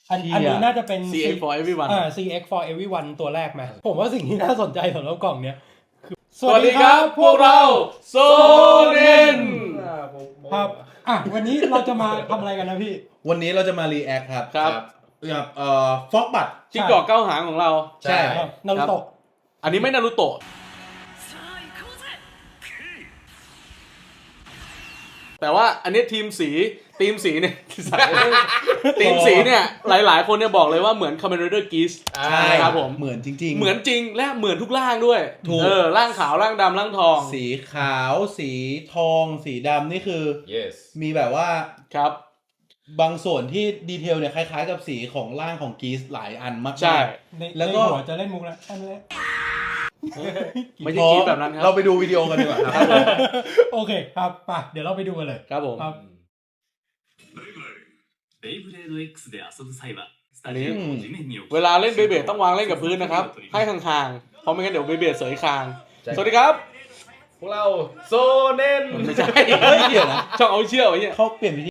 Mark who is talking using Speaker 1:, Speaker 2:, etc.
Speaker 1: อันนี้น่าจะเป็น
Speaker 2: CX for everyone
Speaker 1: CX for everyone ตัวแรกไหมผมว่าสิ่งที่น่าสนใจสำหรับกล่องเนี้ยคือ
Speaker 2: สวัสดีครับพวกเราโซเนน
Speaker 1: ครับวันนี้เราจะมาทำอะไรกันนะพี่
Speaker 3: วันนี้เราจะมารีแอคครับ
Speaker 2: ครับ
Speaker 3: กับฟอกบัต
Speaker 2: จิ้งจอกเก้าหางของเรา
Speaker 3: ใช่
Speaker 1: นารูโตะ
Speaker 2: อันนี้ไม่นารูโตะแต่ว่าอันนี้ทีมสีเนี่ย ทีมสีเนี่ยหลายๆคนเนี่ยบอกเลยว่าเหมือน Kamen Rider Geese
Speaker 3: ใช่
Speaker 2: ครับผม
Speaker 3: เหมือนจริงๆ
Speaker 2: เหมือนจริงและเหมือนทุกร่างด้วย
Speaker 3: ถูก
Speaker 2: ร่างขาวร่างดำร่างทอง
Speaker 3: สีขาวสีทอง สีดำนี่คือ
Speaker 4: yes
Speaker 3: มีแบบว่า
Speaker 2: ครับ
Speaker 3: บางส่วนที่ดีเทลเนี่ยคล้ายๆกับสีของร่างของกีสหลายอันมากๆ
Speaker 2: ใช่
Speaker 3: แล้วก็
Speaker 1: ในหัวจะเล่นมุกแล้วอันนี้
Speaker 2: ไม่ใช่กีแบบนั้นครับ
Speaker 3: เราไปดูวิดีโอกันดีกว่าครับ
Speaker 1: โอเคครับไปเดี๋ยวเราไปดูกันเลย
Speaker 2: ครับผม
Speaker 1: ครับ
Speaker 5: ベイブレード X で遊ぶ際はスタジオを地面に置き
Speaker 2: เวลาเล่นเบเบดต้องวางเล่นกับพื้นนะครับ ให้ห่างๆ เพราะไม่งั้นเดี๋ยวเบเบดเสยคาง
Speaker 4: ใช่
Speaker 2: สวัสดีครับ
Speaker 4: พวกเราโซเนน
Speaker 2: ไม่ใช่
Speaker 3: เฮ้ยเดี๋ยวนะ
Speaker 2: ช่องเอาเชี่ยวไอ้เนี่ย
Speaker 3: เขาเปลี่ยนวิธี